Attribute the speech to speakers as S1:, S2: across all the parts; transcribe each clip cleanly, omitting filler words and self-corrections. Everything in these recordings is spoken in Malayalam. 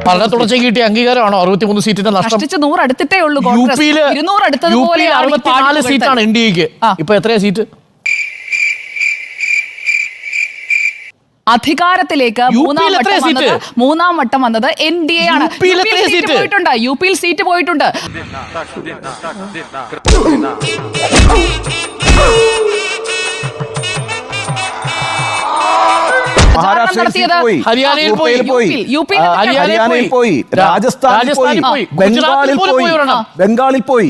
S1: വളരെ തുടർച്ചയ്ക്ക് കിട്ടിയ അംഗീകാരമാണോ 63 സീറ്റിന്റെ നഷ്ടം?
S2: 100 അടുത്തിട്ടേ ഉള്ളൂ.
S1: യുപിയിൽ 64 സീറ്റാണ് എൻ ഡി എക്ക്. ഇപ്പൊ എത്രയാ സീറ്റ്?
S2: അധികാരത്തിലേക്ക് മൂന്നാം വട്ടം വന്നത് എൻ ഡി എ ആണ്. യു പിയിൽ സീറ്റ് പോയിട്ടുണ്ട്.
S1: ഹരിയാനയിൽ പോയി,
S3: രാജസ്ഥാനിൽ പോയി, ബംഗാളിൽ പോയി.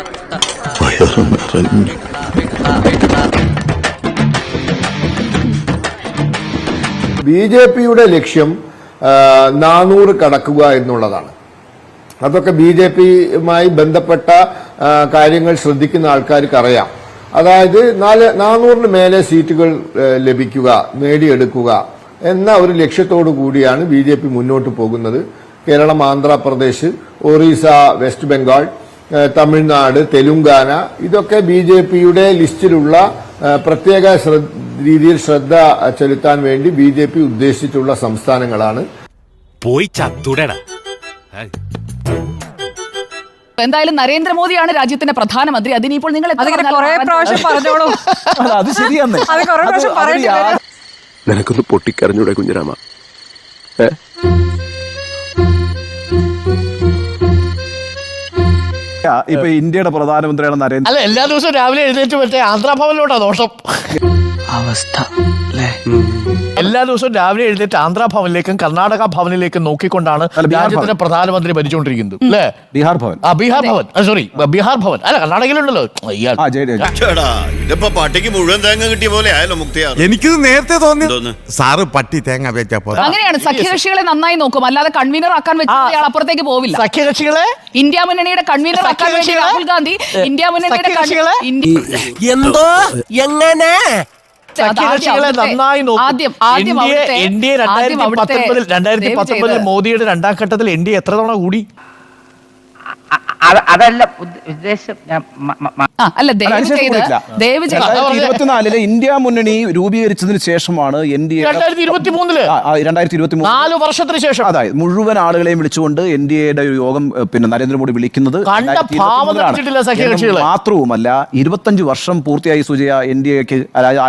S4: ബി.ജെ.പിയുടെ ലക്ഷ്യം 400 കടക്കുക എന്നുള്ളതാണ്. അതൊക്കെ ബി.ജെ.പിയുമായി ബന്ധപ്പെട്ട കാര്യങ്ങൾ ശ്രദ്ധിക്കുന്ന ആൾക്കാർക്ക് അറിയാം. അതായത് 400 മേലെ സീറ്റുകൾ ലഭിക്കുക, നേടിയെടുക്കുക എന്ന ഒരു ലക്ഷ്യത്തോടു കൂടിയാണ് ബി.ജെ.പി മുന്നോട്ട് പോകുന്നത്. കേരളം, ആന്ധ്രാപ്രദേശ്, ഒറീസ, വെസ്റ്റ് ബംഗാൾ, തമിഴ്നാട്, തെലുങ്കാന ഇതൊക്കെ ബി.ജെ.പിയുടെ ലിസ്റ്റിലുള്ള പ്രത്യേക രീതിയിൽ ശ്രദ്ധ ചെലുത്താൻ വേണ്ടി ബി.ജെ.പി ഉദ്ദേശിച്ചിട്ടുള്ള സംസ്ഥാനങ്ങളാണ്.
S5: പോയി ചത്തുടടാ.
S2: എന്തായാലും നരേന്ദ്രമോദിയാണ് രാജ്യത്തിന്റെ പ്രധാനമന്ത്രി. അതിനിപ്പോൾ നിങ്ങൾ പറഞ്ഞോളൂ.
S3: അത് ശരിയാണ്.
S6: നിനക്കൊന്ന് പൊട്ടിക്കരഞ്ഞൂടെ കുഞ്ഞിരാമ?
S3: ഇപ്പൊ ഇന്ത്യയുടെ പ്രധാനമന്ത്രിയാണ് നരേന്ദ്ര.
S1: അല്ല, എല്ലാ ദിവസവും രാവിലെ എഴുന്നേറ്റ് മറ്റേ ആന്ധ്രാഭവനിലോട്ടാ ദോഷം
S7: അവസ്ഥ.
S1: എല്ലാ ദിവസവും രാവിലെ എഴുന്നേറ്റ് ആന്ധ്രാഭവനിലേക്കും കർണാടക ഭവനിലേക്കും നോക്കിക്കൊണ്ടാണ് രാജ്യത്തിന്റെ പ്രധാനമന്ത്രി ഭരിച്ചുകൊണ്ടിരിക്കുന്നത്. അല്ലേ?
S3: ബീഹാർ ഭവൻ.
S1: ബീഹാർ ഭവൻ, സോറി, ബീഹാർ ഭവൻ. അല്ല, കർണാടകയിലുണ്ടല്ലോ.
S8: പട്ടിക്ക് മുഴുവൻ തേങ്ങ കിട്ടിയ പോലെ ആയല്ലോ മുക്തിയാർ.
S5: എനിക്കിത് നേരത്തെ തോന്നി സാറ് പട്ടി തേങ്ങ വെച്ചപ്പോ.
S2: അങ്ങനെയാണ് സഖ്യകക്ഷികളെ നന്നായി നോക്കും, അല്ലാതെ കൺവീനർ ആക്കാൻ വെച്ചാൽ അപ്പുറത്തേക്ക് പോവില്ല.
S1: സഖ്യകക്ഷികളെ
S2: ഇന്ത്യ മുന്നണിയുടെ കൺവീനർ ആക്കാൻ വേണ്ടി രാഹുൽ ഗാന്ധി ഇന്ത്യ മുന്നണിയുടെ
S7: എന്തോ എങ്ങനെ
S1: സഖ്യകക്ഷികളെ നന്നായി നോക്കും. 2019 മോദിയുടെ രണ്ടാം ഘട്ടത്തിൽ എൻ ഡി എ എത്ര തവണ കൂടി?
S9: അതല്ല ഉദ്ദേശം.
S2: അല്ല, ദയവ്
S3: 2024 ഇന്ത്യ മുന്നണി രൂപീകരിച്ചതിന് ശേഷമാണ് എൻ ഡി എ
S1: 2023 4 വർഷത്തിന് ശേഷം
S3: അതായത് മുഴുവൻ ആളുകളെയും വിളിച്ചുകൊണ്ട് എൻ ഡി എയുടെ ഒരു യോഗം നരേന്ദ്രമോദി വിളിക്കുന്നത് മാത്രവുമല്ല. 25 വർഷം പൂർത്തിയായി സുജയ എൻ ഡി എക്ക്.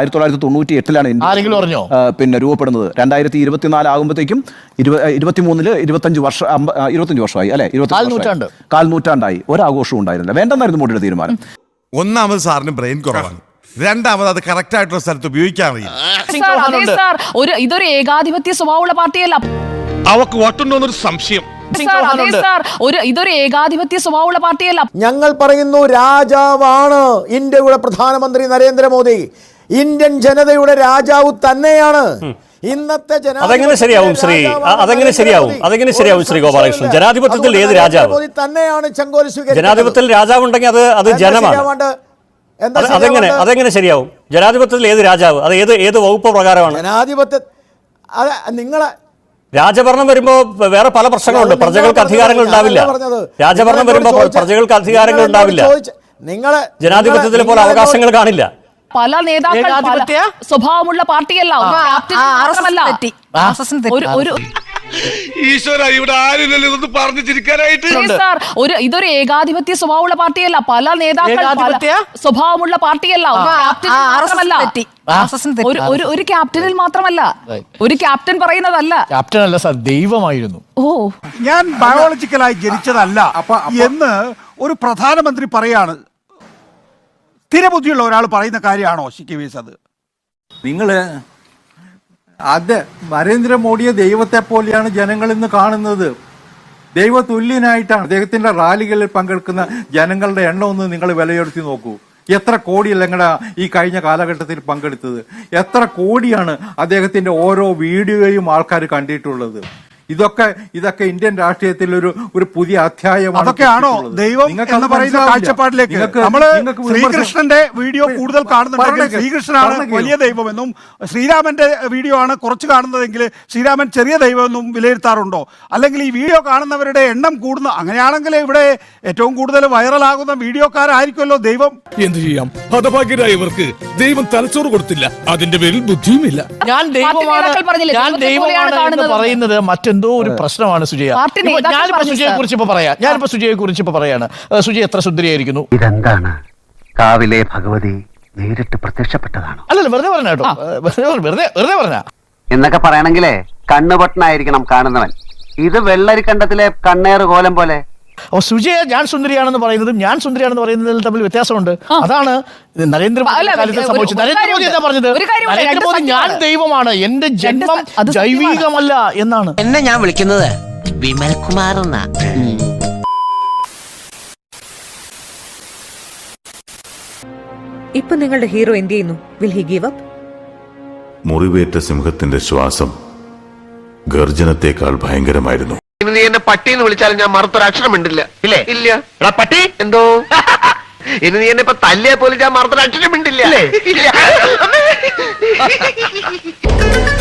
S3: 1998 രൂപപ്പെടുന്നത്. 2024 ആകുമ്പോഴത്തേക്കും 23 25 വർഷമായി അല്ലെ? 25 നൂറ്റാണ്ടായി. ഒരാഘോഷവും ഉണ്ടായിരുന്നില്ല. വേണ്ടെന്നായിരുന്നു മോഡിയുടെ തീരുമാനം.
S5: ഒന്നാമത് സാറിന് ബ്രെയിൻ കുറവാണ്, രണ്ടാമത് അത് കറക്റ്റ് ആയിട്ടുള്ള സ്ഥലത്ത് ഉപയോഗിക്കാൻ അറിയാം.
S2: ഇതൊരു ഏകാധിപത്യ സ്വഭാവമുള്ള പാർട്ടിയല്ല.
S5: അവക്ക് വട്ടുണ്ടോന്നൊരു സംശയം.
S2: ഇതൊരു ഏകാധിപത്യ സ്വഭാവമുള്ള പാർട്ടിയല്ല.
S10: ഞങ്ങൾ പറയുന്നു, രാജാവാണ് ഇന്ത്യയുടെ പ്രധാനമന്ത്രി നരേന്ദ്രമോദി. ഇന്ത്യൻ ജനതയുടെ രാജാവ് തന്നെയാണ്. ഇന്നത്തെ
S11: അതെങ്ങനെ ശരിയാവും ശ്രീ ഗോപാലകൃഷ്ണൻ? ജനാധിപത്യത്തിൽ ഏത് രാജാവ്
S10: തന്നെയാണ്
S11: ജനാധിപത്യത്തിൽ രാജാവ് ഉണ്ടെങ്കിൽ അത് ജനമാണ്. അതെങ്ങനെ ശരിയാവും? ജനാധിപത്യത്തിൽ ഏത് രാജാവ്? അത് ഏത് വകുപ്പ് പ്രകാരമാണ്
S10: ജനാധിപത്യ? നിങ്ങളെ
S11: രാജഭരണം വരുമ്പോ വേറെ പല പ്രശ്നങ്ങളുണ്ട്. പ്രജകൾക്ക് അധികാരങ്ങൾ ഉണ്ടാവില്ല. രാജഭരണം വരുമ്പോ പ്രജകൾക്ക് അധികാരങ്ങൾ ഉണ്ടാവില്ല. ജനാധിപത്യത്തിലെ പോലെ അവകാശങ്ങൾ കാണില്ല.
S2: പല നേതാക്കൾ സ്വഭാവമുള്ള പാർട്ടിയല്ല. ഇതൊരു ഏകാധിപത്യ സ്വഭാവമുള്ള പാർട്ടിയല്ല. പല നേതാക്കൾ സ്വഭാവമുള്ള പാർട്ടിയല്ല. ഒരു ക്യാപ്റ്റനിൽ മാത്രമല്ല, ഒരു ക്യാപ്റ്റൻ പറയുന്നതല്ല.
S1: ക്യാപ്റ്റൻ അല്ല സാർ, ദൈവമായിരുന്നു.
S12: ഞാൻ ബയോളജിക്കലായി ജനിച്ചതല്ല എന്ന് ഒരു പ്രധാനമന്ത്രി പറയാണ്. സ്ഥിരബുദ്ധിയുള്ള ഒരാൾ പറയുന്ന കാര്യമാണോ ശിക്കവേസ്? അത്
S13: നരേന്ദ്രമോദിയെ ദൈവത്തെ പോലെയാണ് ജനങ്ങൾ ഇന്ന് കാണുന്നത്. ദൈവതുല്യനായിട്ടാണ്. അദ്ദേഹത്തിന്റെ റാലികളിൽ പങ്കെടുക്കുന്ന ജനങ്ങളുടെ എണ്ണം ഒന്ന് നിങ്ങൾ വിലയിരുത്തി നോക്കൂ. എത്ര കോടിയല്ല നിങ്ങളുടെ ഈ കഴിഞ്ഞ കാലഘട്ടത്തിൽ പങ്കെടുത്തത്? എത്ര കോടിയാണ് അദ്ദേഹത്തിന്റെ ഓരോ വീഡിയോയും ആൾക്കാർ കണ്ടിട്ടുള്ളത്? ഇതൊക്കെ ഇന്ത്യൻ രാഷ്ട്രീയത്തിൽ ഒരു പുതിയ അധ്യായമാണ്.
S12: അതൊക്കെയാണോ ദൈവം എന്ന് പറയുന്ന കാഴ്ചപ്പാടിലേക്ക് നമ്മള് ശ്രീകൃഷ്ണന്റെ വീഡിയോ കൂടുതൽ കാണുന്നുണ്ടെങ്കിൽ ശ്രീകൃഷ്ണനാണ് വലിയ ദൈവമെന്നും ശ്രീരാമന്റെ വീഡിയോ ആണ് കുറച്ച് കാണുന്നതെങ്കിൽ ശ്രീരാമൻ ചെറിയ ദൈവമെന്നും വിലയിരുത്താറുണ്ടോ? അല്ലെങ്കിൽ ഈ വീഡിയോ കാണുന്നവരുടെ എണ്ണം കൂടുന്ന അങ്ങനെയാണെങ്കിൽ ഇവിടെ ഏറ്റവും കൂടുതൽ വൈറലാകുന്ന വീഡിയോക്കാരായിരിക്കുമല്ലോ ദൈവം.
S5: എന്ത് ചെയ്യാം, ഹതഭാഗ്യരായവർക്ക് ദൈവം തലച്ചോറ് കൊടുത്തില്ല, അതിന്റെ പേരിൽ ബുദ്ധിയുമില്ല.
S1: ഞാൻ ദൈവമാണ് പറയുന്നത് മറ്റൊന്നും എന്തോ ഒരു പ്രശ്നമാണ് സുജയ.
S2: പാർട്ടി
S1: ഇപ്പൊ
S2: നേതാക്കൾ
S1: ഞാനിപ്പോ
S2: പറഞ്ഞു,
S1: സുജയെ കുറിച്ച് ഇപ്പൊ പറയാം. ഞാനിപ്പോ സുജയെ കുറിച്ച് ഇപ്പൊ പറയാണ്. സുജയ എത്ര സുന്ദരിയായിരിക്കുന്നു.
S7: ഇതെന്താണ് കാവിലെ ഭഗവതി നേരിട്ട് പ്രത്യക്ഷപ്പെട്ടതാണോ?
S1: അല്ലല്ല, വെറുതെ പറഞ്ഞ കേട്ടോ, വെറുതെ പറഞ്ഞ
S7: എന്നൊക്കെ പറയണെങ്കിലേ കണ്ണുപൊട്ടനായിരിക്കണം കാണുന്നവൻ. ഇത് വെള്ളരിക്കണ്ടത്തിലെ കണ്ണേറ് കോലം പോലെ.
S1: അപ്പൊ സുജയ ഞാൻ സുന്ദരിയാണെന്ന് പറയുന്നതും ഞാൻ സുന്ദരിയാണെന്ന് പറയുന്നതിൽ തമ്മിൽ വ്യത്യാസമുണ്ട്. അതാണ് നരേന്ദ്രമോദി കാലത്ത് സംഭവിച്ചത്. നരേന്ദ്രമോദി എന്താ പറഞ്ഞത്? നരേന്ദ്രമോദി ഞാൻ ദൈവമാണ്, എന്റെ ജന്മം ജൈവികമല്ല എന്നാണ്.
S7: എന്നെ ഞാൻ വിളിക്കുന്നത് വിമൽ കുമാർ എന്നാ.
S9: ഇപ്പൊ നിങ്ങളുടെ ഹീറോ എന്ത് ചെയ്യുന്നു? Will he give up?
S8: മുറിവേറ്റ സിംഹത്തിന്റെ ശ്വാസം ഗർജനത്തെക്കാൾ ഭയങ്കരമായിരുന്നു.
S7: ഇനി നീ എന്നെ പട്ടിന്ന് വിളിച്ചാലും ഞാൻ മറുത്തൊരക്ഷരം മിണ്ടില്ല. ഇല്ലേ? ഇല്ല. പട്ടി എന്തോ ഇനി നീ എന്നെ ഇപ്പൊ തല്ലിയെ പോലും ഞാൻ മറുത്തൊരക്ഷരം മിണ്ടില്ല. ഇല്ല.